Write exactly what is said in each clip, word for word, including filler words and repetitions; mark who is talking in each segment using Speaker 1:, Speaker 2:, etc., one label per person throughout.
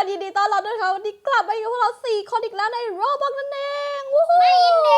Speaker 1: คนยินดีต้อนรับด้วยค่ะวันนี้กลับมาอยู่กับพวกเราสี่คนอีกแล้วในโรบล็อกนั่นเองวู้ฮู้ไม่ยินดี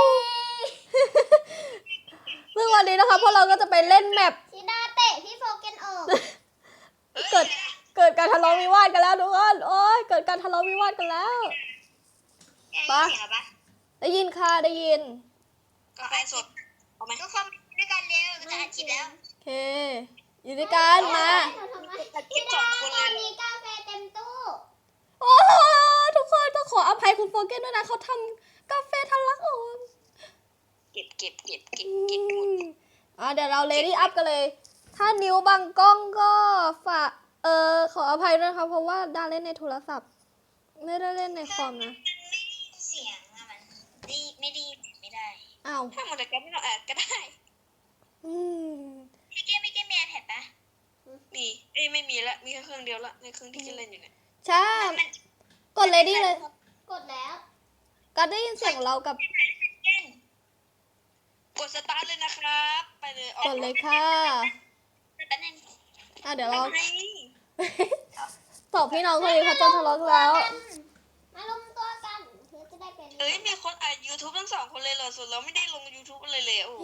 Speaker 1: ซึ่งวันนี้นะคะพวกเราก็จะไปเล่นแมป
Speaker 2: ชิดาเตะพี่โฟเกนออก
Speaker 1: เกิดเกิดการทะเลาะวิวาทกันแล้วทุกคนโอ้ยเกิดการทะเลาะวิวาทกันแล้วปะได้ยินค่ะได้ยิน
Speaker 3: ก็ให้สดเอาไหม
Speaker 2: ทุกคนด้วยกันเร็วจะอัดคลิปแล้ว
Speaker 1: โอเคอยู่ด้วยกันมา
Speaker 2: ชิดาตอนนี้กาแฟเต็มตู้
Speaker 1: โอ้ทุกคนต้องขออภัยคุณโฟเกนด้วยนะเขาทำกาแฟทะลักออก
Speaker 3: เก็บเก็บเก็บเก็บเก็บหมด
Speaker 1: อ่ะเดี๋ยวเราเลดี้อัพกันเลยถ้านิ้วบังกล้องก็ฝากเออขออภัยด้วยนะคะเพราะว่าดาเล่นในโทรศัพท์ไม่ได้เล่นในคอมนะ
Speaker 2: เสียงอะมันดีไม่ดีไม่ได้
Speaker 1: อ้าว
Speaker 3: ถ้าหมดแต่ก็ไม่ต้องแอดก็ได้
Speaker 1: อืม
Speaker 2: พี่เก้ไม่เก้มีแผ่นปะ
Speaker 3: มีเอ้ยไม่มีละมีแค่เครื่องเดียวละในเครื่องที่กินเล่นอยู่เนี่ย
Speaker 1: ใช่กดเลดี้เลย
Speaker 2: กดแล้ว
Speaker 1: ก็ได้ยินเสียงเรากับ
Speaker 3: กดสตาร์ทเลยนะครับไปเลย
Speaker 1: กดเลยค่ะอ่ะเดี๋ยวเราตอบพี่น้องคนนี้เขาจะทะเลาะแล้ว
Speaker 2: มาลงตัวกันเพื่อจะได้เป็น
Speaker 3: เอ้ยมีคนอัด YouTube ทั้งสองคนเลยเหรอส่วนเราไม่ได้ลง YouTube อะไรเลยโอ้โห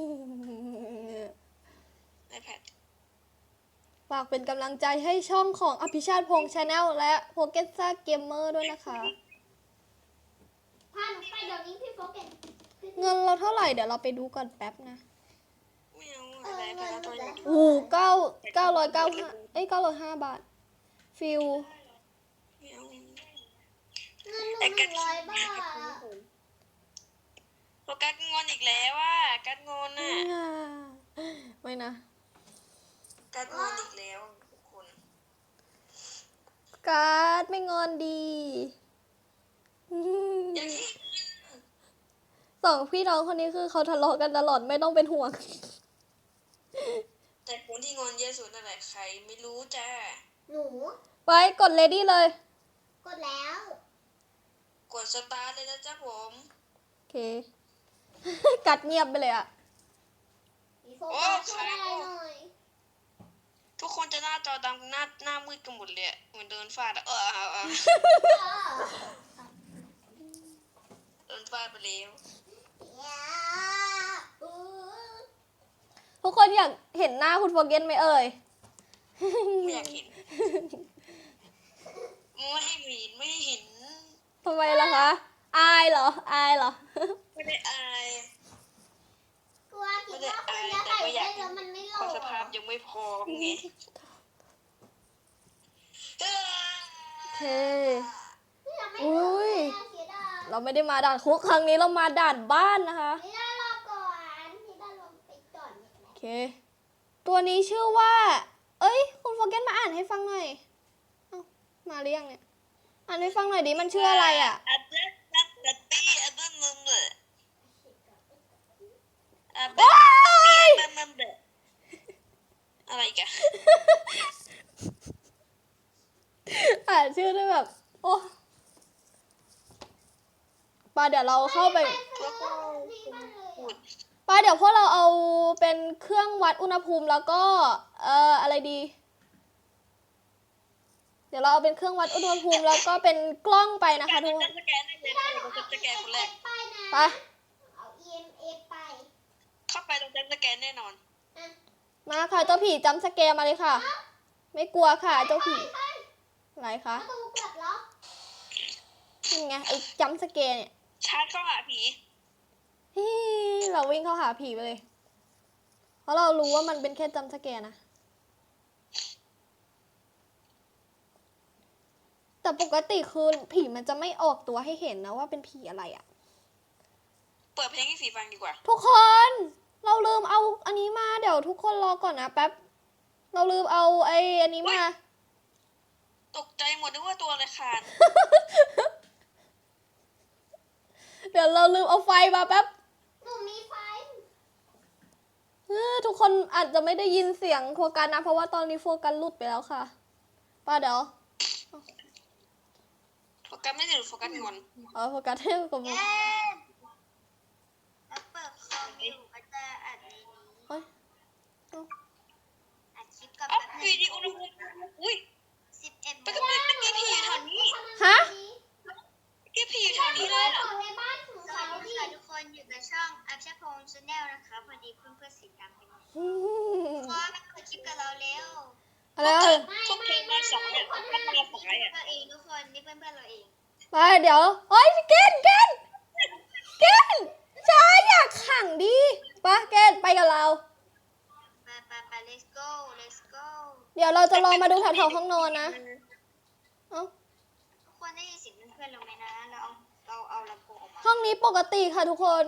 Speaker 3: ไอแพด
Speaker 1: ฝากเป็นกำลังใจให้ช่องของอภิชาติพงษ์ชาแนลและโปเกตซ่าเกมเมอร์ด้วยนะคะ
Speaker 2: พาหนูไปเดี๋ยวนี้พี่โฟเกต
Speaker 1: เงินเราเท่าไหร่เดี๋ยวเราไปดูก่อนแป๊บนะ
Speaker 3: ไม่เอาอะไรไปแล้วตัว
Speaker 1: โอ้เก้าเก้าร้อยเก้าห้าเอ้ยเก้าร้อยห้าบาทฟิล
Speaker 3: ไม่เอา
Speaker 2: เงินหนึ่งร้อยบาท
Speaker 3: โฟกัสงอนอีกแล้วว่ากัดงอนน่ะ
Speaker 1: ไม่นะ
Speaker 3: กัดงอนอีกแล้วทุกคน
Speaker 1: กัดไม่งอนดีสองพี่น้องคนนี้คือเขาทะเลาะกันตลอดไม่ต้องเป็นห่วง
Speaker 3: แต่คนที่งอนเยอะสุดนั่นแหละใครไม่รู้จ้า
Speaker 2: หนู
Speaker 1: ไปกดเลดี้เลย
Speaker 2: กดแล้ว
Speaker 3: กดสตาร์ทเลยนะจ๊ะผม
Speaker 1: โอเคกัดเงียบไปเลยอะ
Speaker 3: โอ้ขายทุกคนจะหน้าจอดำหน้าหน้ามืดกันหมดเลยเหมือนเดินฟาดอะเออเออเออเดินฟาดไปแล้ว
Speaker 1: ทุกคนอยากเห็นหน้าคุณโฟเกนไหมเอ่ย
Speaker 3: ไม่อยากเห็นไม่ให้เห็นไม่เห็น
Speaker 1: ทำไมล่ะคะอายเหรออายเหรอ
Speaker 3: ไม่ได้อาย
Speaker 2: กลัวคิดว่าคนจะใส่เล่นแล้วมันไม่หล่อ
Speaker 3: สภาพยังไม่พอไง
Speaker 1: โอเคอุ้ยเราไม่ได้มาด่านคุกครั้งนี้เรามาด่านบ้านนะคะโอเคตัวนี้ชื่อว่าเอ้ยคุณโฟเกนมาอ่านให้ฟังหน่อยเอ้ามาเรียงเนี่ยอ่านให้ฟังหน่อยดิมันชื่ออะไรอ่ะ
Speaker 3: อะไรกัน
Speaker 1: อ่านชื่อได้แบบโอ้ป้าเดี๋ยวเราเข้าไปป้าเดี๋ยวพวกเราเอาเป็นเครื่องวัดอุณหภูมิแล้วก็เอ่ออะไรดีเดี๋ยวเราเอาเป็นเครื่องวัดอุณหภูมิแล้วก็เป็นกล้องไปนะคะทุกคนไป
Speaker 2: เอา อี เอ็ม เอฟ ไป
Speaker 3: เข้าไปตรงจัมป์สแกนแน่นอน
Speaker 1: มาค่ะเจ้าผีจัมป์สแกนมาเลยค่ะไม่กลัวค่ะเจ้าผีอะไรคะนี่ไงไอ้จัมป์สแกนเนี่ย
Speaker 3: ชาร์จเข้าหาผี
Speaker 1: เราวิ่งเข้าหาผีไปเลยเพราะเรารู้ว่ามันเป็นแค่จัมป์สแกนนะแต่ปกติคือผีมันจะไม่ออกตัวให้เห็นนะว่าเป็นผีอะไรอ่ะ
Speaker 3: เปิดเพลงให้ผีฟังดีกว่า
Speaker 1: ทุกคนเราลืมเอาอันนี้มาเดี๋ยวทุกคนรอก่อนนะแป๊บเราลืมเอาไอ้อันนี้มา
Speaker 3: ตกใจหมดนึกว่าตัวอะไรขาด
Speaker 1: เดี๋ยวเราลืมเอาไฟมาแป๊บ
Speaker 2: หนูมีไฟ
Speaker 1: ทุกคนอาจจะไม่ได้ยินเสียงโฟกัสนะเพราะว่าตอนนี้โฟกัสหลุดไปแล้วค่ะป้าเดี๋ยว
Speaker 3: โฟกัสไม่ได้หรือโฟกัสงอน
Speaker 1: อ๋อโฟกัสให้กับ
Speaker 2: มึงเปิดคอมอยู่ก็จะอัดนี้อัดคลิปกับ
Speaker 3: อัพวิดีโอนะอุ้ย
Speaker 2: สิบเอ็ด
Speaker 3: ไปกับเด็กตะกี้ผีแถวนี้สองเนี่ยมันมาสายอ่ะ
Speaker 2: เราเองทุกคนนี่เพื่อนเพื่อนเราเอง
Speaker 1: ไปเดี๋ยวเฮ้ยเกนเกนเกนช้าอยากขังดิปะเกนไปกับเรา
Speaker 2: ไปไปไป let's go let's go
Speaker 1: เดี๋ยวเราจะลองมาดูแถวๆห้องนอนนะเอ้า
Speaker 2: ทุกคนได้ยินเสียงเพื่อนๆเราไหมนะเราเอาเราเอาลำโพงออกมา
Speaker 1: ห้องนี้ปกติค่ะทุกคน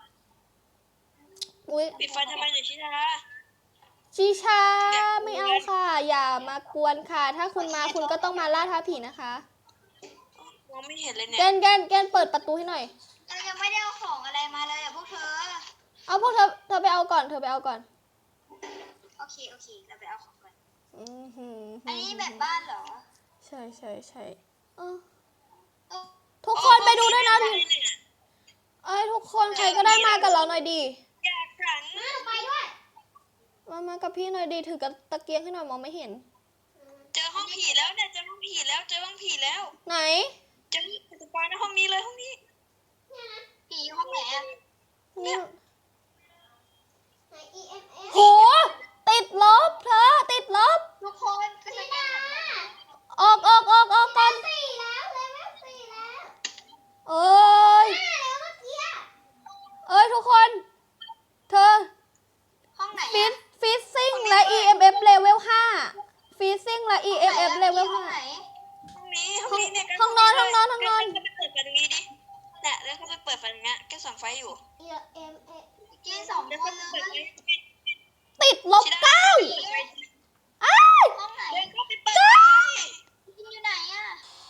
Speaker 1: อุ้ย
Speaker 3: ปิดไฟทำไมเนี่ยชิชา
Speaker 1: ชีชาไม่เอาค่ะ อย่ามากวนค่ะ ถ้าคุณมาคุณก็ต้องมาล่าท้าผีนะคะ
Speaker 3: มองไม่เห็นเลย
Speaker 1: เก
Speaker 3: เนี่ย
Speaker 1: นเกนเกนเปิดประตูให้หน่อย
Speaker 2: เรายังไม่ได้เอาของอะไรมาเลยอ่ะพวกเธอ
Speaker 1: เอาพวกเธอเธอไปเอาก่อนเธอไปเอาก่อน
Speaker 2: โอเคโอเคเราไปเอาของก่อน
Speaker 1: อือหือ
Speaker 2: อันนี้แบบบ้านเหรอ
Speaker 1: ใช่ใช่ใช่เออ
Speaker 2: เอ้า
Speaker 1: ทุกคนไปดูด้วยนะเอ้ยทุกคนใครก็ได้มากับเราหน่อยดี
Speaker 3: อยากขัง
Speaker 2: มาไปด้วย
Speaker 1: มามากับพี่หน่อยดีถือกับตะเกียงให้หน่อยมองไม่เห็น
Speaker 3: เจอห้องผีแล้วเนี่ยเจอห้องผีแล้วเจอห้องผีแล้ว
Speaker 1: ไหน
Speaker 3: เจอสปอยในห้องนี้เลยห้องนี้
Speaker 2: ผีห้องไหนอ่ะ
Speaker 1: นี่
Speaker 2: ไหน อี เอ็ม เอส
Speaker 1: โหติดลบเธอติดลบ
Speaker 2: ทุกคนก็จะได้
Speaker 1: ออกออกออกออกก่อน
Speaker 2: สี่แล้วเลยว่าสี่แล้ว
Speaker 1: เอ้ย
Speaker 2: ห้าแล้วเมื่อกี้
Speaker 1: เอ้ยทุกคน เธอ
Speaker 2: ห้องไหน
Speaker 1: ฟิ
Speaker 2: อ่ะ
Speaker 1: สฟิซซิ่งและ อี เอ็ม เอฟ เลเวลห้าฟิซซิ่งและ อี เอ็ม เอฟ เลเวล
Speaker 2: ห้อ
Speaker 1: ห้าง
Speaker 2: ไหน
Speaker 3: ห้องนี้ห้องนี้เนี่ย
Speaker 1: ห้องนอนห้องนอนห้องนอน
Speaker 3: ก็ไปเปิดไฟตรงนี้ดิเนี่ยแล้วเขาไปเปิดไฟตรงเนี้ยแกส่องไฟอยู่
Speaker 2: อี เอ็ม เอสกินสอง
Speaker 3: แล้ว
Speaker 2: ค
Speaker 3: ก็
Speaker 2: นเล
Speaker 3: เปิด
Speaker 2: ย
Speaker 3: ไฟ
Speaker 1: ติดลบเก้า อ้าย
Speaker 2: ห้องไหน
Speaker 3: แล้วก็ไปเปิดไฟ
Speaker 2: กินอยู่ไหนอ่ะ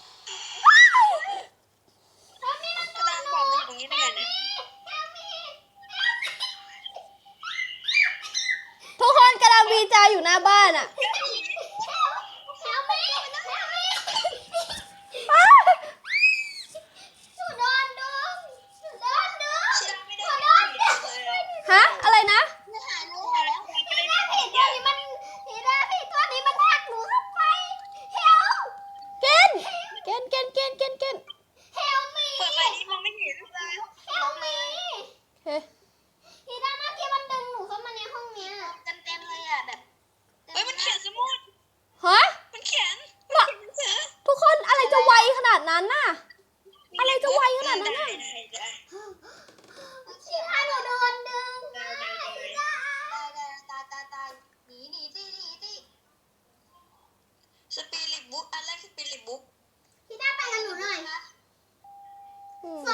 Speaker 3: กระดานบอกมันอยู่ตรงนี้ได้ไงเนี่ย
Speaker 1: ทุกคนกำลังวีจาอยู่หน้าบ้านอ่ะ อ้าย
Speaker 3: ชิดาไม่ได้เลยอะ
Speaker 1: ฮะ อะไรนะ เกนเกนเกนเกนเกนเกน
Speaker 3: เปิดไฟนี้มองไม่เห็นเลย
Speaker 1: เฮ้ย
Speaker 3: เฮ้ยมันเขียนสมุด
Speaker 1: ฮะ
Speaker 3: มันเขียน
Speaker 1: ว่า
Speaker 3: หนังสือ
Speaker 1: ทุกคนอะไรจะไวขนาดนั้นน่ะ อะไรจะไวขนาดนั้นน่ะ
Speaker 3: ได้ได้ได้สปิริตบุ๊กอันแรกสปิริตบุ๊ก
Speaker 1: อืม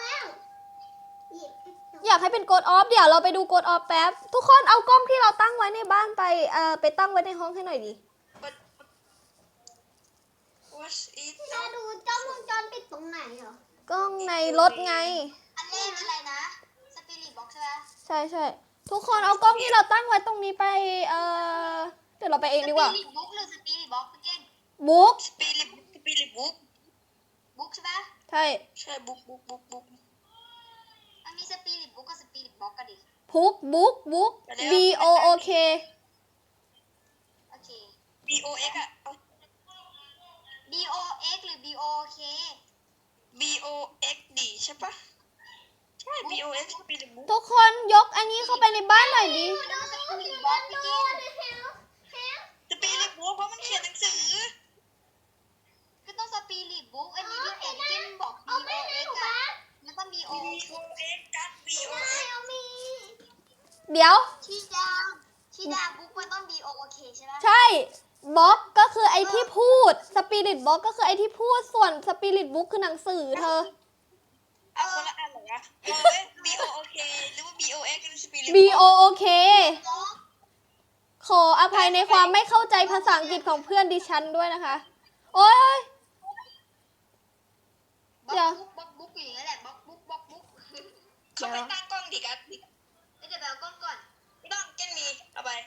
Speaker 1: อยากให้เป็นโกดออฟเดี๋ยวเราไปดูโกดออฟแป๊บ ทุกคนเอากล้องที่เราตั้งไว้ในบ้านไปเอ่อไปตั้งไว้ในห้องให้หน่อยดิ
Speaker 3: What What is
Speaker 2: จะดูกล้องวงจรปิดตรงไหนเหรอ
Speaker 1: กล้องในรถไง
Speaker 2: อันแรกอะไรนะ สปิริตบ็อกใช่ไหม
Speaker 1: ใช่ใช่ทุกคนเอากล้องที่เราตั้งไว้ตรงนี้ไปเอ่อเดี๋ยวเราไปเองดีกว่า
Speaker 2: สปิริตบุ๊กหรือสปิริตบ็อกพี่เก่ง
Speaker 1: บุ๊ก
Speaker 3: สปิริตบุ๊กสปิริตบุ๊ก
Speaker 2: บุ๊กใช่ปะ
Speaker 1: ใช่
Speaker 3: ใช่บุ๊กบุ๊กบุ๊กบุ๊ก
Speaker 2: มันมีสปิริตบุ๊กกับสปิริตบ็อกกันดิ
Speaker 1: พุกบุ๊กบุ๊ก B O O K
Speaker 2: โอเค
Speaker 3: B O X อ่ะเอา
Speaker 2: B O X หรือ B O K
Speaker 3: B O X ดีใช่ปะใช่ B O X สปิริตบุ๊ก
Speaker 1: ทุกคนยกอันนี้เข้าไปในบ้านหน่อยดิ
Speaker 2: ดูสปิริตบ็อกพี่เก่ง
Speaker 3: สปิริตบุ๊กเพราะมันเขียนหนังสือ
Speaker 2: ก็ต้องสปิริตบุ๊กอันนี้พี่เก่งพี่เก่งบอก B O X อ่ะมันต้อง B O
Speaker 3: B O X กัด B O X
Speaker 1: เดี๋ยว
Speaker 2: ชีดาชีดาบุ๊กมันต้อง B O K ใช่ไหม
Speaker 1: ใช่บล็อกก็คือไอที่พูดสปิริตบล็อกก็คือไอที่พูดส่วนสปิริตบุ๊กคือหนังสือเธอ
Speaker 3: เอาคนละอันเหรอวะเออ B O O K หรือว่า B O X หรือสปิริต
Speaker 1: B O O K
Speaker 2: บ็อก
Speaker 1: ขออภัยในความไม่เข้าใจภาษาอังกฤษของเพื่อนดิฉันด้วยนะคะ โอ๊ย
Speaker 2: บ็
Speaker 1: เดี๋
Speaker 2: อ
Speaker 1: ยว
Speaker 2: กบุ๊กบ็อกบุ๊กอยู่อย่างนั้นแหละบ็อกบุ๊กบ็อกบุ๊ก
Speaker 3: เขาไปตั้งกล้องดิกัด
Speaker 2: เดี๋ยวไปเอากล้องก่อน
Speaker 3: ต้องเก้นมีเอาไป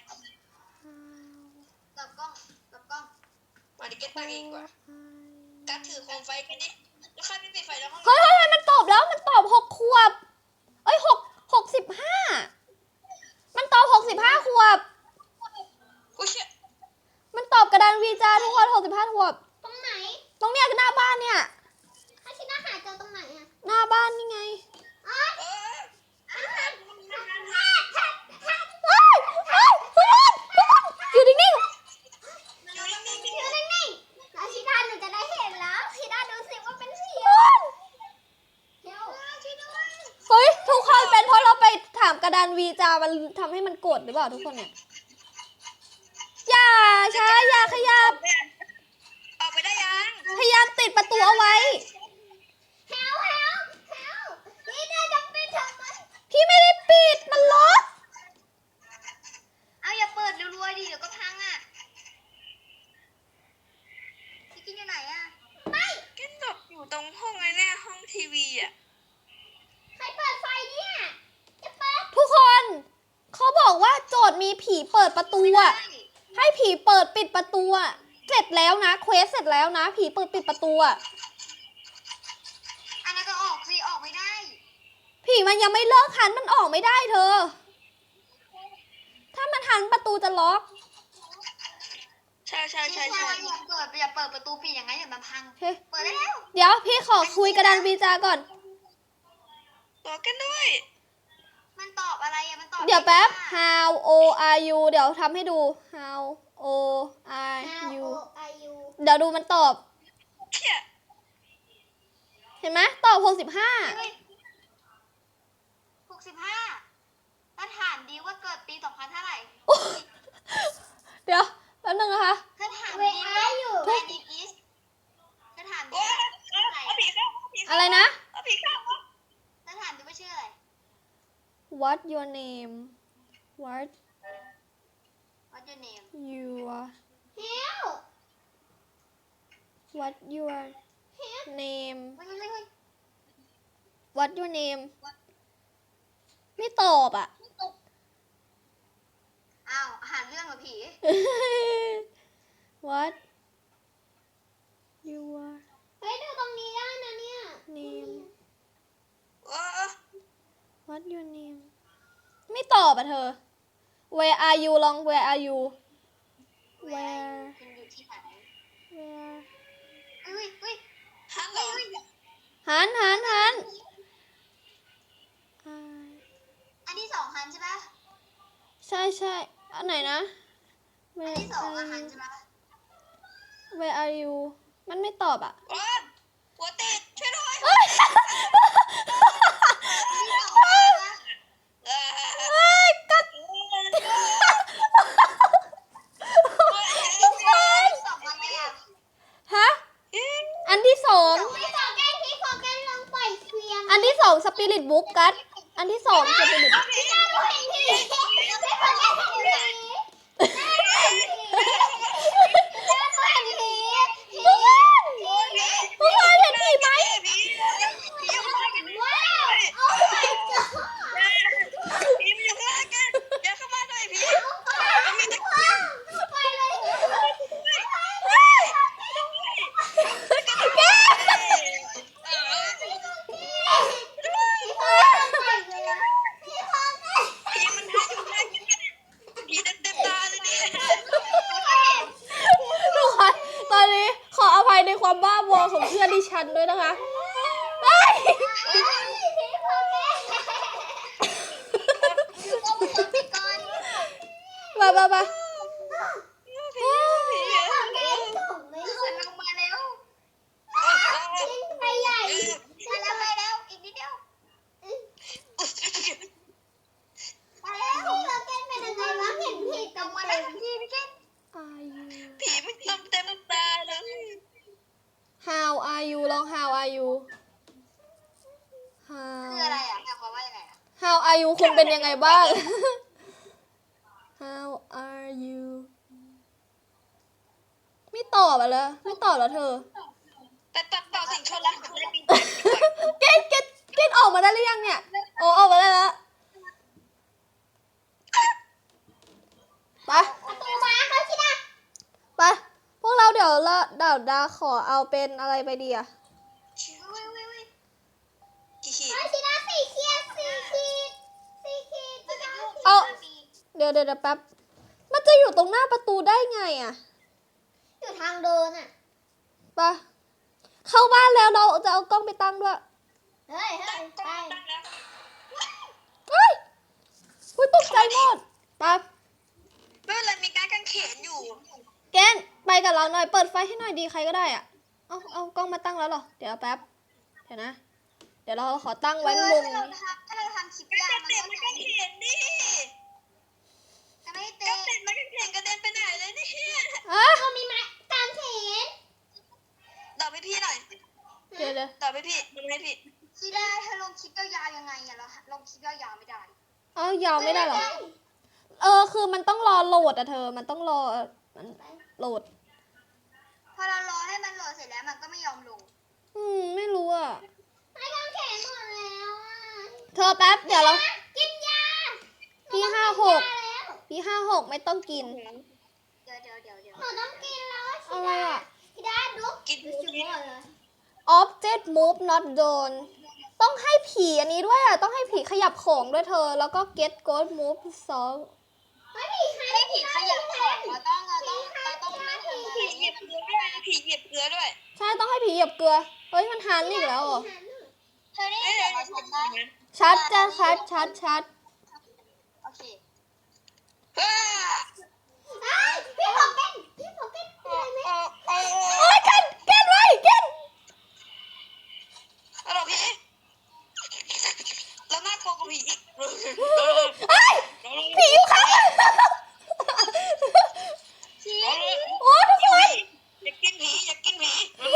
Speaker 2: กับกล้องกับกล้อง
Speaker 3: มาดิเก้นตั้งเองดีกว่ากัดถือโคมไฟกันดิแล้วใครไม่ปิดไฟแล้วห้อง
Speaker 1: เฮ้ยเฮ้ยเฮ้ยมันตอบแล้วมันตอบหกขวบ เอ้ยหกหกสิบห้ามันตอบหกสิบห้าขวบ
Speaker 3: กูเชื่อ
Speaker 1: มันตอบกระดานวีจาทุกคนหกสิบห้าขวบ
Speaker 2: ตรงไหน
Speaker 1: ตรงเนี้ยคือหน้าบ้านเนี่ย
Speaker 2: ถ้าชิดาหาเจอตรงไหนอ่ะ
Speaker 1: หน้าบ้านนี่ไง
Speaker 2: อ๋อ
Speaker 3: เออ
Speaker 1: เฮ้ยเฮ้ยคุณคุณอยู่นิ่ง
Speaker 3: อยู่นิ่งๆ
Speaker 2: อยู่นิ่งๆ
Speaker 1: ดันวีจามันทำให้มันกดหรือเปล่าทุกคนเนี่ยอย่าช้าอย่าขยับ
Speaker 3: ออกไปได้ยัง
Speaker 1: พยายามติดประตูเอาไว้
Speaker 2: เฮลเฮลเฮลนี่นายจะปิดทำไม
Speaker 1: พี่ไม่ได้ปิดมันล็อก
Speaker 2: เอาอย่าเปิดรัวๆดิเดี๋ยวก็พังอ่ะพี่กินอยู่ไหนอ่ะไม่
Speaker 3: แกหลบอยู่ตรงห้องไอ้เนี่ยห้องทีวีอ่ะ
Speaker 2: ใครเปิดไฟเนี่ยจะเปิด
Speaker 1: ทุกคนเขาบอกว่าโจทย์มีผีเปิดประตูอะให้ผีเปิดปิดประตูอะเสร็จแล้วนะเควสเสร็จแล้วนะ ผีเปิดปิดประตูอะ
Speaker 2: อันนั้นก็ออกสิออกไม่ได้
Speaker 1: ผีมันยังไม่เลิกหันมันออกไม่ได้เธอ ถ้ามันหันประตูจะล็อก
Speaker 3: ใช่ใช่ใช่
Speaker 2: ใช่
Speaker 3: ใช่
Speaker 2: อย่าเปิดอย่าเปิดประตูปิดอย่างนั้นเดี๋ยวมันพัง
Speaker 1: เฮ้ย
Speaker 2: เปิดได้แล้ว
Speaker 1: เดี๋ยวพี่ขอคุยกระดานวีจาก่อน
Speaker 3: ตัวกันด้วย
Speaker 2: มันตอบอะไรอะมันตอบ
Speaker 1: เดี๋ยวแป๊บ
Speaker 2: ไม่ได้
Speaker 1: how o are you เดี๋ยวทำให้ดู how o are you
Speaker 2: อายุ
Speaker 1: เดี๋ยวดูมันตอบ
Speaker 3: เชี่ย
Speaker 1: เห็นไหมตอบหกสิบห้า
Speaker 2: หกสิบห้าถ้าถามดีว่าเกิดปีสองพันเท่าไหร่
Speaker 1: เดี๋ยวแป๊บนึงนะคะ
Speaker 2: ถ้าถามดีว่าแวนดิกิสถ้าถามดี
Speaker 3: โอ้ย
Speaker 2: ว่าชื่ออะไร
Speaker 3: เอาผีเข้าเอาผีเข้า
Speaker 1: อะไรนะ
Speaker 3: เอาผีเข้า
Speaker 2: ถ้าถามดีว่าชื่ออะไร
Speaker 1: what your name what
Speaker 2: What's your name
Speaker 1: your
Speaker 2: Hell
Speaker 1: what your name
Speaker 2: เฮ้ยเฮ้ยเฮ้ย
Speaker 1: what your name ไม่ตอบอ่ะ
Speaker 2: อ้าวหาเรื่องเหรอผี
Speaker 1: what your
Speaker 2: เฮ้ยดูตรงนี้ได้นะเนี่ย
Speaker 1: name
Speaker 3: โอ้
Speaker 1: what your name ไม่ตอบอ่ะเธอ where are you ลอง where are you where
Speaker 2: คุณอยู่ที่ไหน
Speaker 1: where
Speaker 2: เฮ้ยเฮ้ย
Speaker 3: ฮัลโหล
Speaker 1: หันหันหัน
Speaker 2: อันที่สองฮันใช่ปะ
Speaker 1: ใช่ใช่อันไหนนะ
Speaker 2: อัน
Speaker 1: where
Speaker 2: ที่สองอะ
Speaker 1: are
Speaker 2: ฮัน
Speaker 1: you
Speaker 2: ใช่ปะ
Speaker 1: where are you มันไม่ตอบอ่ะ
Speaker 3: โอ้หัวติดช่วยด้วย
Speaker 1: เอ้ย
Speaker 2: อันที่สองฮันใช่ปะ
Speaker 3: เอ้ย
Speaker 1: เอ้ยกัด
Speaker 2: สองอะไรอะ
Speaker 1: ฮะ อันที่สอง
Speaker 2: ไม่สองแกนที่สองแกนลองปล่อยเคลียร์
Speaker 1: อันที่สองสปิริตบุ๊กกัดอันที่สองสปิริต
Speaker 2: ไม่ได้ดูเห็นผีไม่สองแกนเห็นผีเห็นผี
Speaker 1: ทุกคนทุกคนเห็นผีไหม
Speaker 3: ผีผีอยู่ข้างล่างกัน
Speaker 2: ว้าวโอ้ my god
Speaker 3: ผีมันอยู่ข้างล่างกันอย่าเข้ามาหน่อยผี
Speaker 2: มันมีตะกี้ไปเลย
Speaker 3: ผีมันให้อยู่ข้างล่างกันผีเต็มเต็มตาเลยเนี่ย
Speaker 1: ทุกคนตอนนี้ขออภัยในความบ้าบอของเพื่อนดิฉันด้วยนะคะเฮ้ยมามามา are you
Speaker 3: ผีมันเต็มเต็มตาเลย
Speaker 1: how are you ลอง how are you how
Speaker 2: คืออะไรอ่ะหมายความว่ายังไงอ่ะ
Speaker 1: how are you คุณเป็นยังไงบ้าง how are you ไม่ตอบอ่ะเลยไม่ตอบแล้วเธอ
Speaker 3: แต่ตัดต่อสิ่งชั่วร้ายของเล่นดีกว่า
Speaker 1: เกตเกตเกตออกมาได้หรือยังเนี่ยโอ้ออกมาได้แล้วไป
Speaker 2: ประตูม้าเขาคิดอ่ะ
Speaker 1: ไปพวกเราเดี๋ยวละเดี๋ยวดาขอเอาเป็นอะไรไปดีอะ
Speaker 2: วิววิววิว
Speaker 3: กี่ขีด
Speaker 2: เขาคิดอ่ะสี่ขีดสี่ขีดสี่ขีดมันจะยุ่ง
Speaker 1: เอาเดี๋ยวเดี๋ยวเดี๋ยวแป๊บมันจะอยู่ตรงหน้าประตูได้ไงอะ
Speaker 2: อยู่ทางเดินอ่ะ
Speaker 1: ไปเข้าบ้านแล้วเราจะเอากล้องไปตั้งด้วย
Speaker 2: เฮ้ยเฮ้ยไป
Speaker 3: ตั้งแล้ว
Speaker 1: เฮ้ยอุ้ยตกใจหมดไป
Speaker 3: ไม่เป็นไรมีการกางเขนอยู่
Speaker 1: เกนไปกับเราหน่อยเปิดไฟให้หน่อยดีใครก็ได้อะเอาเอากล้องมาตั้งแล้วเหรอเดี๋ยวแป๊บเดี๋ยวนะเดี๋ยวดี๋ยวเราขอตั้ง
Speaker 2: เอ
Speaker 1: ไว้
Speaker 2: อ
Speaker 1: มุม
Speaker 2: ถ้าเราทำถ้าเราทำคลิปยา
Speaker 3: จะ
Speaker 2: มัน
Speaker 3: เตะ
Speaker 2: ก็
Speaker 3: มัน
Speaker 2: จะ
Speaker 3: ก็เข็นดิ
Speaker 2: จะไม่
Speaker 3: ก็
Speaker 2: เตะ
Speaker 3: เตะมันก็เข็นกระเด็นไปไหนเลยเนี่ย
Speaker 1: อ่ะ
Speaker 4: ก็มีไม้กางเขน
Speaker 3: ตอบให้พี่หน่อย
Speaker 1: เดี๋ยวเดี๋ยว
Speaker 3: ตอบให้พี่ทำให้พี่
Speaker 2: ทีได้เธอลงคลิปยาวๆยังไงอะเราลงคลิปยาวๆไม่ได้
Speaker 1: เอายาวไม่ได้เหรอ เออ คือมันต้องรอโหลดอะเธอ มันต้องรอมันโหลด
Speaker 2: พอเรารอให้มันโหลดเสร็จแล้วมันก็ไม่ยอมลง
Speaker 1: อืม ไม่รู้อะ
Speaker 4: ไม้กางเขนหมดแล้วอ่ะ
Speaker 1: เธอแป๊บ เดี๋ยวเรา
Speaker 4: กินยา
Speaker 1: พี่ห้าหก
Speaker 4: ยาแล้ว
Speaker 1: พี่ห้าหกไม่ต้องกิน
Speaker 2: เดี๋ยวเดี๋ยวเดี๋ยวเดี๋ยว
Speaker 4: หนูต้องกินแล้ว
Speaker 1: อะไรอะ
Speaker 4: ชิดาดู
Speaker 3: กิน
Speaker 4: จุก
Speaker 3: กิน
Speaker 4: หมดเลย
Speaker 1: object move not done ต้องให้ผีอันนี้ด้วยอะต้องให้ผีขยับของด้วยเธอ แล้วก็ get ghost move song
Speaker 4: ไม่มีใคร
Speaker 2: ให้ผีขยับของเราต้องเราต้องเราต้องไม่ทำอะไร
Speaker 3: ผีเหยียบเกลือด้วยผีเหยียบเกลือด้วย
Speaker 1: ใช่ ต้องให้ผีเหยียบเกลือ เฮ้ย มันหันอีกแล้วเหรอ
Speaker 2: เธอได้
Speaker 3: เอ้ย
Speaker 2: เสี
Speaker 3: เดี๋
Speaker 2: ย
Speaker 3: ยว
Speaker 2: ง
Speaker 3: เรา
Speaker 2: เรา
Speaker 3: ทำ
Speaker 2: ชัด
Speaker 3: นะ
Speaker 2: นะ
Speaker 1: ชัดจะชัดชัดชัด
Speaker 2: โอเค
Speaker 3: เฮ้ย
Speaker 4: อ้าวพี่ผมเป็นพี่ผมเป็น
Speaker 3: โอ้โอ้โอ้
Speaker 1: โอ้ยกันกันไว้กัน
Speaker 3: ฮัลโหลพี่แล้วน่ากลัวกว่าผีอีก
Speaker 1: เฮ้ย ผีอยู่ข้างหลัง
Speaker 2: ชี้
Speaker 1: โอ้ทุกคน
Speaker 3: อย่ากินผีอย่ากินผี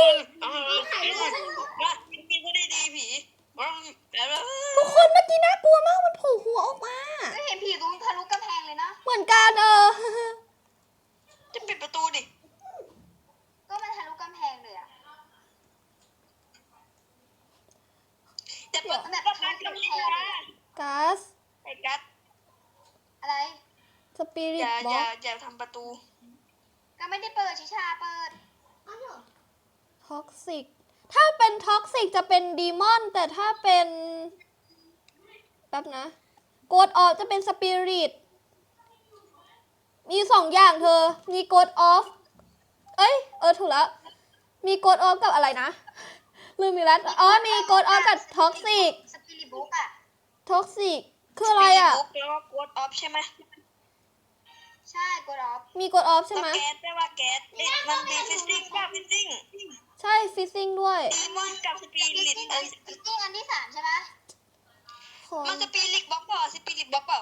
Speaker 3: มากินกินก็ได้ดีผี
Speaker 1: ทุกคนเมื่อกี้น่ากลัวมาก มันโผล่หัวออกมา
Speaker 2: ก็เห็นผีตรงทะลุกำแพงเลยนะ
Speaker 1: เหมือนกันเออ
Speaker 3: จะปิดประตูดิ
Speaker 2: ก็มันทะลุกำแพงเลยอะ
Speaker 3: จะเปิด
Speaker 2: แบบทะลุกำแพงเลยอะ
Speaker 1: ก๊าซ
Speaker 3: ไอ้กัส
Speaker 2: อะไร
Speaker 1: สปิริ
Speaker 3: อ
Speaker 1: ต
Speaker 3: ย่า
Speaker 1: บ็
Speaker 3: อ
Speaker 1: อย่
Speaker 3: าก อย่าทำประตู
Speaker 2: ก็ไม่ได้เปิดชิชาเปิด
Speaker 4: อ้าวเหรอ
Speaker 1: ท็อกซิก ถ้าเป็นท็อกซิกจะเป็นดีมอน แต่ถ้าเป็นแป๊บนะโกดออฟจะเป็นสปิริต มีสองอย่างเธอ มีโกดออฟ เอ้ย เออ ถูกแล้ว มีโกดออฟกับอะไรนะ ลืมอีกแล้ว อ๋อ มีโกดออฟกับท็อกซิก
Speaker 2: สปิริตบุ๊กอะ
Speaker 1: ท็อกซิก คืออะไรอ่ะ
Speaker 3: บุ๊กแล้วก็กดออฟใช่ไหม
Speaker 2: ใช่กดออฟ
Speaker 1: มีโกดออฟใช่ไหม
Speaker 3: ก็แก๊สได้ว่าแก๊สเอ๊ะมันมีฟิสิกส์ป่ะฟิสิกส์
Speaker 1: ใช่ฟิซซิ่งด้วย
Speaker 3: ดีมอนกับสปิ
Speaker 2: ฟิ
Speaker 3: ริ
Speaker 2: ซ
Speaker 3: ต
Speaker 2: ซิ่ง
Speaker 3: เอ้ย
Speaker 2: ฟิซซิ่งอันที่สามใช่ปะ
Speaker 1: ของ
Speaker 3: มันสปิริตบล็อกเปล่าสปิริตบล็อกเปล่าก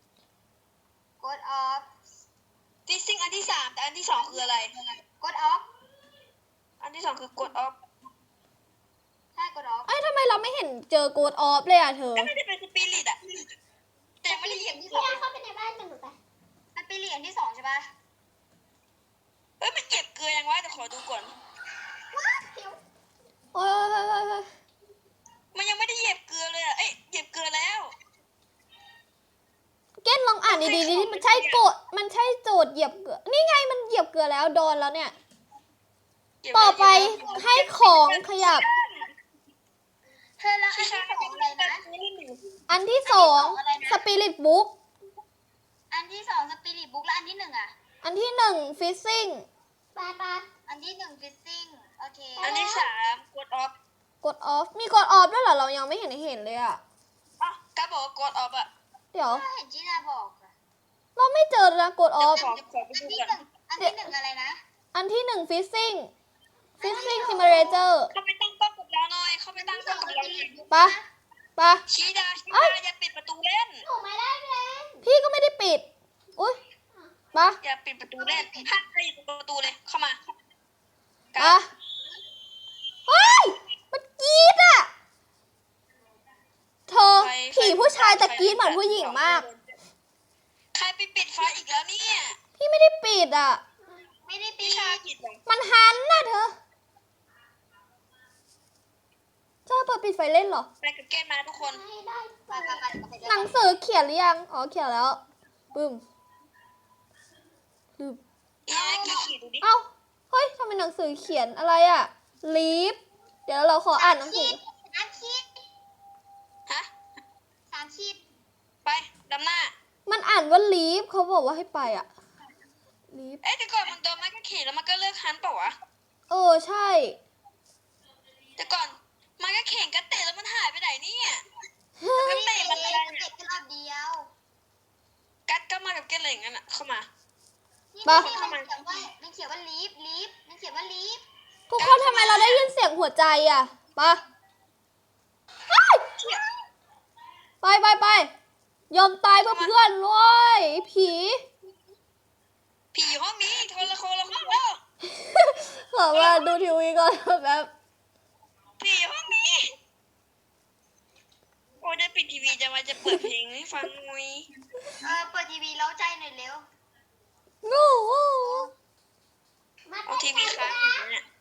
Speaker 2: ดออฟ
Speaker 3: ฟิสิกส์อันที่สามแต่อันที่สองคืออะไร
Speaker 2: กดออฟ
Speaker 3: อันที่สองคือกดออฟ
Speaker 2: ใช่กดออฟ
Speaker 1: เอ้ยทำไมเราไม่เห็นเจอโกดออฟเลยอ่ะเธอ
Speaker 3: ก็ไม่ได้เป็นสปิริตอะแต่ยังไม่ได้เหยียบ
Speaker 2: ที่
Speaker 3: เก
Speaker 2: ส
Speaker 3: ลื
Speaker 2: อ
Speaker 3: อง
Speaker 4: เข้าไปในบ้านกันหนูไป
Speaker 2: สปิริตอันที่สองใช่ปะ
Speaker 3: เฮ้ยมันเหยียบเกลือยังวะแต่ขอดูก่อน
Speaker 1: โอ้ยโอ้ยโอ้ยโอ้ยโอ้ย
Speaker 3: มันยังไม่ได้เหยียบเกลือเลยอะเอ้ยเหยียบเกลือแล้ว
Speaker 1: เก้นลองอ่านดีๆดิมันใช่โกดมันใช่โจทย์เหยียบเกลือ นี่ไงมันเหยียบเกลือแล้วโดนแล้วเนี่ย
Speaker 3: เหยียบ
Speaker 1: ต่อไป
Speaker 3: เหยียบแล้ว
Speaker 1: ให้ของขยับ
Speaker 2: เธอแล้วอันที่สองอะไรนะ
Speaker 1: อันที่สองสปิริตบุ๊ก
Speaker 2: อันที่สองสปิริตบุ๊กแล้วอันที่หนึ่งอะ
Speaker 1: อันที่หนึ่งฟิซซิ่ง
Speaker 4: ไปไป
Speaker 2: อันที่หนึ่งฟิซซิ่งโอเค
Speaker 3: อันที่สามกดออฟ
Speaker 1: กดออฟ มีกดออฟด้วยเหรอ เรายังไม่เห็นเห็นเลยอ่ะ
Speaker 3: อ่ะก็บอกว่ากดออฟอะ
Speaker 1: เดี๋ยว
Speaker 2: ก็เห็นจีนาบอกอะ
Speaker 1: เราไม่เจอนะกดออฟ
Speaker 3: ขอขอไป
Speaker 2: อัน
Speaker 3: ดู
Speaker 2: ที่
Speaker 3: ก่อน
Speaker 2: หนึ่งอันที่หนึ่งอะไรนะ
Speaker 1: อันที่หนึ่งฟิซซิ่ง ฟิซซิ่งซิมูเลเตอร์
Speaker 3: เข้าไปตั้งกล้องกับเราหน่อย เข้าไปตั้งกล้องกับเราหน่อย
Speaker 1: ปะปะ
Speaker 3: ชี้ดาชี้
Speaker 1: เอ้ย
Speaker 3: ดาอย่าปิดประตูเล่น
Speaker 4: หนูไม่ได้เล่น
Speaker 1: พี่ก็ไม่ได้ปิด อุ้ยปะ
Speaker 3: อย่าปิดประตูเล่นห้ามใครอยู่ตรงประตูเลย เข้ามา
Speaker 1: ปะเฮ้ย มันกรีดอ่ะ เธอ ผีผู้ชายแต่กรีดเหมือนผู้หญิงมาก
Speaker 3: ใครไปปิดไฟอีกแล้วเนี่ย
Speaker 1: พี่ไม่ได้ปิดอ่ะ
Speaker 2: ไม่ได้ปี
Speaker 3: พี่ชาปิดเหรอ
Speaker 1: มันหันน่ะเธอ เธอเปิดปิดไฟเล่นเหรอ
Speaker 3: ไปกับเกณฑ์มาทุกคน
Speaker 4: ไม่ได้
Speaker 2: ไปไปไปไปไป
Speaker 1: หนังสือเขียนหรือยัง อ๋อ เขียนแล้ว ปึ้มปึ้ม
Speaker 3: อีไอ้กี่ขีดดูดิ
Speaker 1: เอ้า เฮ้ยทำไมหนังสือเขียนอะไรอ่ะ ลีฟ เดี๋ยวเราขออ่านหนังสือ
Speaker 2: สามขีด
Speaker 3: ฮะ
Speaker 2: สามขีด
Speaker 3: ไปดำหน้า
Speaker 1: มันอ่านว่าลีฟ เขาบอกว่าให้ไปอ่ะ ลีฟ
Speaker 3: เอ๊ะแต่ก่อนมันโดนไม้กางเขนแล้วมันก็เลิกฮันเปล่าวะ
Speaker 1: เออ ใช่
Speaker 3: แต่ก่อนไม้กางเขนก็เตะแล้วมันหายไปไหนเนี่ย
Speaker 2: ไม่ได้เตะมันเองเตะแค่รอบเดียว
Speaker 3: กัดก็มากับเกณฑ์อะไรอย่างนั้นอะเข้ามา
Speaker 2: นี่
Speaker 1: ปะ
Speaker 2: มันเขียนว่ามันเขียนว่าลีฟลีฟมันเขียนว่าลีฟ
Speaker 1: ทุกคนทำไมเราได้ยินเสียงหัวใจอ่ะปะอ้าไปไปไปยอมตายเพื่อเพื่อนเลยผี
Speaker 3: ผีอยู่ห้องนี้คนละคนละห้องแล้ว
Speaker 1: ขอมาดูทีวีก่อนแบบ
Speaker 3: ผีอยู่ห้องนี้โอ้ยได้ปิดทีวีจะมาจะเปิดเพลงให้ฟังหน่อย
Speaker 2: เออเปิดทีวีเล้าใจหน่อยเร็ว
Speaker 1: งู
Speaker 4: มา
Speaker 3: เอา
Speaker 4: เต้น
Speaker 3: ทีวี
Speaker 4: กัน
Speaker 3: ค้าง
Speaker 4: นะ
Speaker 3: อยู่เนี่ย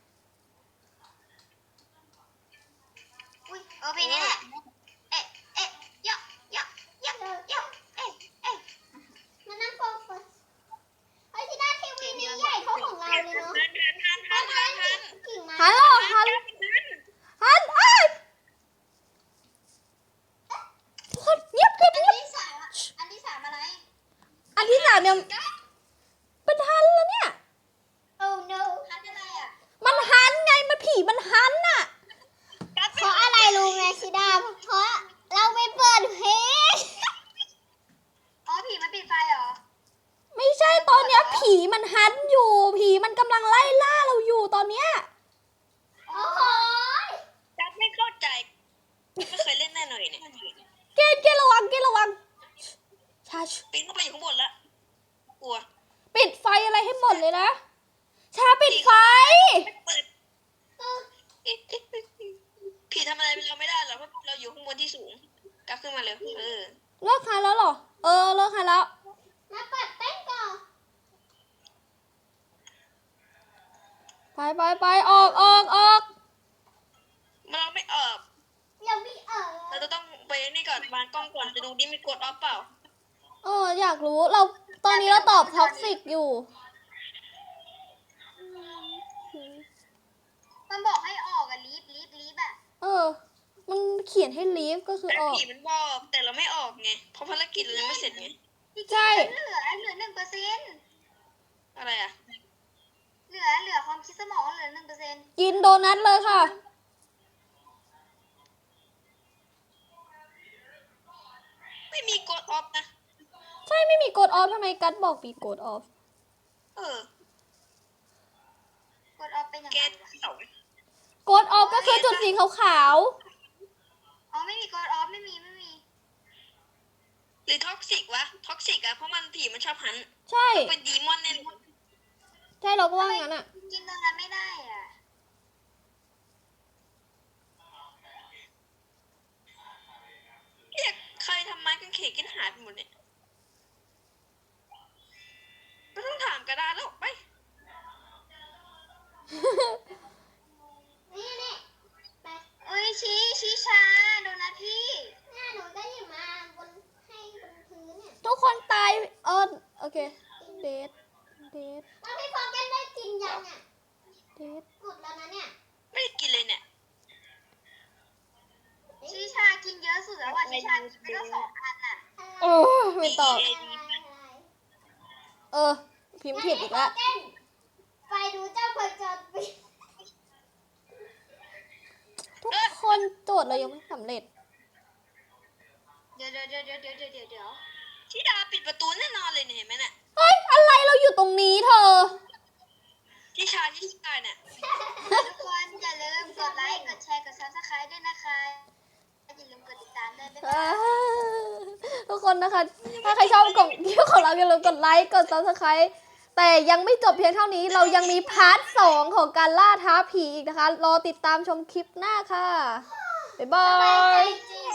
Speaker 2: อุ้ยเออเพลงนี้แหละเอ๊ะเอ๊ะยะยะยะยะเอ๊ะเอ๊ะ
Speaker 4: มานั่งโฟกัสเฮ้ยที่หน้าทีวีนี้ใหญ่เท่าของเราเลยเนาะ
Speaker 3: ทันทันทันทันทันทัน
Speaker 4: กิ่งไม้
Speaker 1: ฮัลโหลฮัลโหลฮัลโหลทุกคนเงียบเงียบ
Speaker 2: อัน
Speaker 1: เงียบ
Speaker 2: ที่สามอะอันที่สามอะไร
Speaker 1: อันที่สามเนี่ยเป็นฮันแล้วเนี่ย
Speaker 4: โอ้ no
Speaker 2: ทันอะไรอ่ะ
Speaker 1: มันฮันไงมันผีมันฮันน่ะ
Speaker 4: เพราะอะไรรู้ไหมชิดาเพราะเราไปเปิดเพลง
Speaker 2: อ๋อผีมันปิดไฟเหรอ
Speaker 1: ไม่ใช่ตอนเนี้ยผีมันฮันอยู่ ผีมันกำลังไล่ล่าเราอยู่ตอนเนี้ย
Speaker 4: โอ้โห
Speaker 3: จับไม่เข้าใจไม่เคยเล่นแน่หน่อยเนี่ย
Speaker 1: เกณฑ์เกณฑ์ระวังเกณฑ์ระวังชาช
Speaker 3: ปีนเข้าไปอยู่ข้างบนละกลัว
Speaker 1: ปิดไฟอะไรให้หมดเลยนะ ชาปิดไฟ
Speaker 3: เปิดผีทำอะไรเราไม่ได้หรอกเพราะเราอยู่ข้างบนที่สูงกลับขึ้นมาเร็วเออ
Speaker 1: เลิกฮันแล้วเหรอ เออเลิกฮันแล้ว
Speaker 4: มาเปิดเต้นก่อน
Speaker 1: ไปไปไปออกออกออก
Speaker 3: เราไม่ออก
Speaker 4: ยังไม่เออ
Speaker 3: เราจะต้องไปนี่ก่อนวางกล้องก่อนจะดูดิมีกดออฟเปล่า
Speaker 1: เอออยากรู้เราตอนนี้เราตอบท็อกซิกอยู่
Speaker 2: มันบอกให้ออกอะลีฟลีฟลีฟอะ
Speaker 1: เออ มันเขียนให้ลีฟก็คือ
Speaker 3: แต่
Speaker 1: ออก
Speaker 3: ผีมันบอกแต่เราไม่ออกไงเพราะภารกิจเรายังไม่เสร็จไง
Speaker 1: ใช่
Speaker 2: เหลือเหลือหนึ่งเปอร์เซ็นต์
Speaker 3: อะไรอ่ะ
Speaker 2: เหลือเหลือความคิดสมองเหลือหนึ่งเปอร์เซ็นต์
Speaker 1: กินโดนัทเลยค่ะ
Speaker 3: ไม่มีกดออฟนะ
Speaker 1: ใช่ไม่มีกดออฟทำไมกัดบอกมีกดออฟ
Speaker 3: เออก
Speaker 2: ดออฟเป็นยัง
Speaker 3: แก
Speaker 2: ไงวะ
Speaker 3: เสาก
Speaker 1: ดออฟก็คือจุดสีขาว
Speaker 2: อ๋อไม่มีกดออฟไม่มีไม่มี
Speaker 3: หรือท็อกซิกวะท็อกซิกอะเพราะมันผีมันชอบหัน
Speaker 1: ๆใช่
Speaker 3: เป็นดีมอนแน่นอน
Speaker 1: ใช่เราก็ว่างั้นอ่ะ
Speaker 2: กินตรงนั้นไม่ได้อ่ะ
Speaker 3: เรียกใครทำไม้กางเขนกินหายไปหมดเนี่ยไม่ต้องถามกระดาษแล้วไป
Speaker 4: นี่นี่ไป
Speaker 2: เอ้ยชี้ชี้ชาโดนัทพี่
Speaker 4: หน้าหนูก็หยิบมาบนให้บนพื้นเนี่ย
Speaker 1: ทุกคนตายเออโอเคเดทเดท
Speaker 4: แล้วพี่ฟองกันได้กินยังอ่ะ
Speaker 1: เดท
Speaker 4: กดแล้วนะเนี่ย
Speaker 3: ไม่ได้กินเลยเนี่ย
Speaker 2: ชี้ชากินเยอะสุดแล้วอ่ะชี้ชากินไปตั้งสองอันอ่ะ
Speaker 1: โอ้ไม่ตอบ
Speaker 4: อะไรอะไร
Speaker 1: เออ พิมพ์ผิดอีกแล้ว
Speaker 4: งั้นให้ฟองกันไปดูเจ้าพจรปิด
Speaker 1: ทุกคนโจทย์เรายังไม่สำเร็จ
Speaker 2: เดี๋ยวเดี๋ยวเดี๋ยวเดี๋ยวเดี๋ยวเดี๋ยวเดี๋ยว
Speaker 3: ที่ดาปิดประตูแน่นอนเลยเนี่ยเห็นไหมเนี่ย
Speaker 1: เฮ้ย อะไรเราอยู่ตรงนี้เธอ
Speaker 3: ที่ชาที่ชาเนี่ย
Speaker 2: ทุกคนอย่าลืมกดไลค์กดแชร์กดซับสไครต์ด้วยนะคะอย่าลืมกดติดตามด้วยบ๊ายบาย
Speaker 1: ทุกคนนะคะ ถ้าใครชอบกล่องคลิปของเราอย่าลืมกดไลค์ กด ซับสไครบ์ แต่ยังไม่จบเพียงเท่านี้ เรายังมีพาร์ทสองของการล่าท้าผีอีกนะคะ รอติดตามชมคลิปหน้าค่ะ บ๊ายบา
Speaker 4: สบายใจ
Speaker 1: ย
Speaker 4: จริง